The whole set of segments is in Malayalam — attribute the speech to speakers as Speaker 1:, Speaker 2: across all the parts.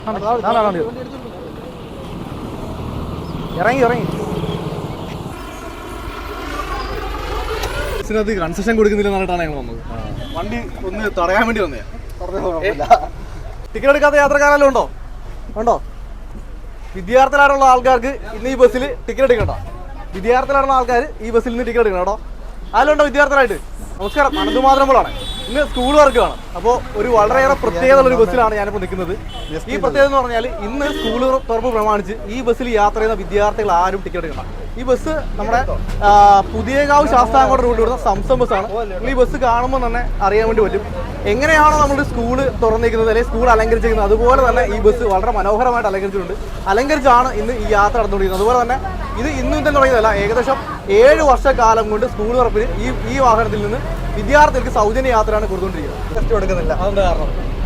Speaker 1: ഇറങ്ങി ബസ്സിനകത്ത് കൺസെഷൻ കൊടുക്കുന്നില്ലെന്ന് പറഞ്ഞിട്ടാണ് ഞങ്ങൾ വന്നത്. വണ്ടി ഒന്ന് തടയാൻ വേണ്ടി വന്നേ. ടിക്കറ്റ് എടുക്കാത്ത യാത്രക്കാരെല്ലാം ഉണ്ടോ? വിദ്യാർത്ഥികളായിട്ടുള്ള ആൾക്കാർക്ക് ഇന്ന് ഈ ബസ്സിൽ ടിക്കറ്റ് എടുക്കണ്ട. വിദ്യാർത്ഥികളായിട്ടുള്ള ആൾക്കാർ ഈ ബസ്സിൽ നിന്ന് ടിക്കറ്റ് എടുക്കണം കേട്ടോ. അതിലുണ്ടോ വിദ്യാർത്ഥികളായിട്ട്? നമസ്കാരം, അനന്തമാതരമ്പോളാണ്. ഇന്ന് സ്കൂൾ വർക്കാണ്. അപ്പോൾ ഒരു വളരെയേറെ പ്രത്യേകത ഒരു ബസ്സിലാണ് ഞാനിപ്പോൾ നിൽക്കുന്നത്. ഈ പ്രത്യേകത എന്ന് പറഞ്ഞാൽ ഇന്ന് സ്കൂൾ തുറപ്പ് പ്രമാണിച്ച് ഈ ബസ്സിൽ യാത്ര ചെയ്യുന്ന വിദ്യാർത്ഥികൾ ആരും ടിക്കറ്റ് എടുക്കണം. ഈ ബസ് നമ്മുടെ പുതിയകാവ് ശാസ്താംകോട്ട റൂട്ടിൽ വരുന്ന സംസം ബസ്സാണ്. ഈ ബസ് കാണുമ്പോൾ തന്നെ അറിയാൻ വേണ്ടി പറ്റും എങ്ങനെയാണോ നമ്മൾ സ്കൂള് തുറന്നിരിക്കുന്നത് അല്ലെങ്കിൽ സ്കൂൾ അലങ്കരിച്ചിരിക്കുന്നത്, അതുപോലെ തന്നെ ഈ ബസ് വളരെ മനോഹരമായിട്ട് അലങ്കരിച്ചിട്ടുണ്ട്. അലങ്കരിച്ചാണ് ഇന്ന് ഈ യാത്ര നടന്നുകൊണ്ടിരിക്കുന്നത്. അതുപോലെ തന്നെ ഇത് ഇന്നും തന്നെ തുടങ്ങിയതല്ല, ഏകദേശം 7 വർഷക്കാലം കൊണ്ട് സ്കൂൾ തുറപ്പിൽ ഈ വാഹനത്തിൽ നിന്ന് വിദ്യാർത്ഥികൾക്ക് സൗജന്യ യാത്രയാണ് കൊടുത്തുകൊണ്ടിരിക്കുന്നത്. ടെസ്റ്റ് കൊടുക്കുന്നില്ല. അതെന്താ കാരണം?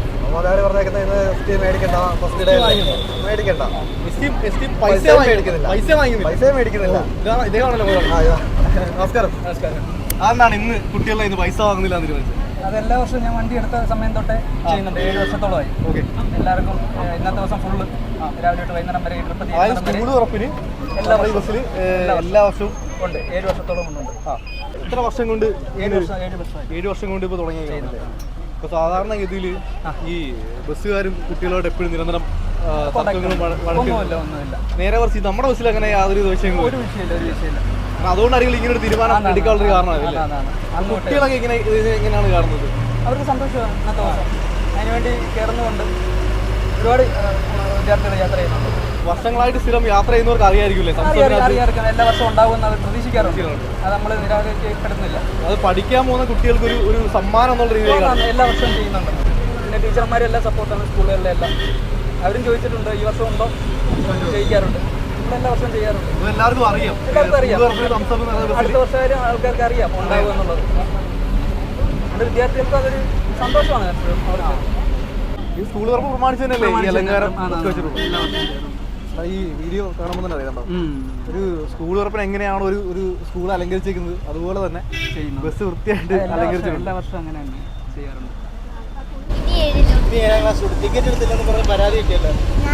Speaker 1: നമസ്കാരം. അതെന്താണ് ഇന്ന് കുട്ടികളെ ഇന്ന് പൈസ വാങ്ങുന്നില്ല എന്ന് തീരുമാനിച്ചത്?
Speaker 2: അത് എല്ലാ വർഷവും ഞാൻ വണ്ടി എടുത്ത സമയം തൊട്ടേ ചെയ്യുന്നുണ്ട്. 7 വർഷത്തോളമായി. ഓക്കെ, എല്ലാവർക്കും ഇന്നത്തെ ദിവസം ഫുള്ള് രാവിലെ തൊട്ട് വൈകുന്നേരം വരെ
Speaker 1: സ്കൂൾ തുറപ്പിന് എല്ലാ ബസ്സിൽ എല്ലാ വർഷവും
Speaker 2: ഉണ്ട്. 7 വർഷത്തോളം ഉണ്ട്.
Speaker 1: എത്ര വർഷം കൊണ്ട്? 7 വർഷം കൊണ്ട് ഇപ്പോൾ തുടങ്ങി. ഇപ്പോൾ സാധാരണഗതിയിൽ ഈ ബസ്സുകാരും കുട്ടികളോട് എപ്പോഴും നിരന്തരം
Speaker 2: ഒന്നുമില്ല.
Speaker 1: നേരെ കുറച്ച് നമ്മുടെ ബസ്സിൽ അങ്ങനെ യാതൊരു വിഷയങ്ങളും
Speaker 2: ഒരു വിഷയമില്ല.
Speaker 1: അതുകൊണ്ടായിരിക്കും ഇങ്ങനെ ഒരു തീരുമാനം എടുക്കാനുള്ള കാരണമാണ്. കുട്ടികളൊക്കെ എങ്ങനെയാണ് കാണുന്നത്?
Speaker 2: അവർക്ക് സന്തോഷമാണ് ഇന്നത്തെ ദിവസം. അതിനുവേണ്ടി കയറുന്നുകൊണ്ട് ഒരുപാട് വിദ്യാർത്ഥികൾ യാത്ര ചെയ്യുന്നുണ്ട്.
Speaker 1: വർഷങ്ങളായിട്ട് സ്ഥിരം യാത്ര ചെയ്യുന്നവർക്ക് അറിയായിരിക്കില്ലേ?
Speaker 2: അറിയാം, എല്ലാ വർഷവും ഉണ്ടാകുമെന്ന് അവർ പ്രതീക്ഷിക്കാറുണ്ട്. അത് നമ്മൾ നിരാകരിക്കപ്പെടുന്നില്ല.
Speaker 1: അത് പഠിക്കാൻ പോകുന്ന കുട്ടികൾക്ക് ഒരു സമ്മാനം എന്നുള്ള രീതിയിലാണ്
Speaker 2: എല്ലാ വർഷവും ചെയ്യുന്നുണ്ട്. പിന്നെ ടീച്ചർമാരും എല്ലാം സപ്പോർട്ടാണ്. സ്കൂളുകളിലെ എല്ലാം അവരും ചോദിച്ചിട്ടുണ്ട്, ഈ വർഷം ഉണ്ടോ ചെയ്യിക്കാറുണ്ട്. എല്ലാ വർഷവും ചെയ്യാറുണ്ട്.
Speaker 1: എല്ലാവർക്കും അറിയാം.
Speaker 2: അടുത്ത വർഷം ആൾക്കാർക്ക് അറിയാം ഉണ്ടാകും എന്നുള്ളത്. നമ്മുടെ വിദ്യാർത്ഥികൾക്ക് അതൊരു സന്തോഷമാണ്.
Speaker 1: ഈ സ്കൂൾ തുറപ്പ് പ്രമാണിച്ച് തന്നെയല്ലേ ഈ അലങ്കാരം വെച്ചിട്ടുള്ളത്? ഈ വീഡിയോ കാണുമ്പോൾ തന്നെ അറിയാം. ഒരു സ്കൂൾ തുറപ്പിന് എങ്ങനെയാണോ ഒരു സ്കൂൾ അലങ്കരിച്ചിരിക്കുന്നത്, അതുപോലെ തന്നെ ബസ് വൃത്തിയായിട്ട് അലങ്കരിച്ചിട്ടുണ്ട്.
Speaker 2: എല്ലാ വർഷവും അങ്ങനെ തന്നെ ചെയ്യാറുണ്ട്.
Speaker 1: ടിക്കറ്റ് എടുത്തില്ലെന്ന് പറഞ്ഞ പരാതി കിട്ടിയല്ലോ.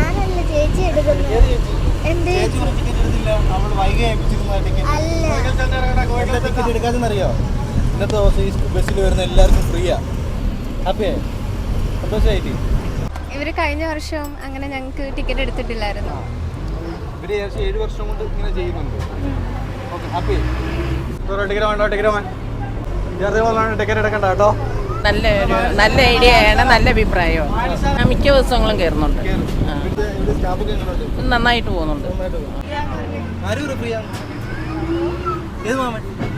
Speaker 1: ടിക്കറ്റ് എടുക്കാതെന്നറിയോ? ഇന്നത്തെ ദിവസം ഈ ബസ്സിൽ വരുന്ന എല്ലാവർക്കും ഫ്രീയാ. ഹാപ്പിയാ? സന്തോഷമായിട്ട്
Speaker 3: ഇവര് കഴിഞ്ഞ വർഷം അങ്ങനെ ഞങ്ങൾക്ക് ടിക്കറ്റ് എടുത്തിട്ടില്ലായിരുന്നു.
Speaker 1: ഇവര് 7 വർഷം കൊണ്ട് ഇങ്ങനെ ചെയ്യുന്നുണ്ട്. Okay, happy? ടിക്കറ്റ് വേണ്ടോ? വിദ്യാർത്ഥികളാണ് ടിക്കറ്റ് എടുക്കണ്ട കേട്ടോ.
Speaker 4: നല്ല ഐഡിയയാണ്, നല്ല അഭിപ്രായമാണ്. മിക്ക ദിവസങ്ങളും കയറുന്നുണ്ട്. നന്നായിട്ട് പോകുന്നുണ്ട്.
Speaker 1: ആരും ഫ്രീ ആണ്. ഏത് മാമൻ?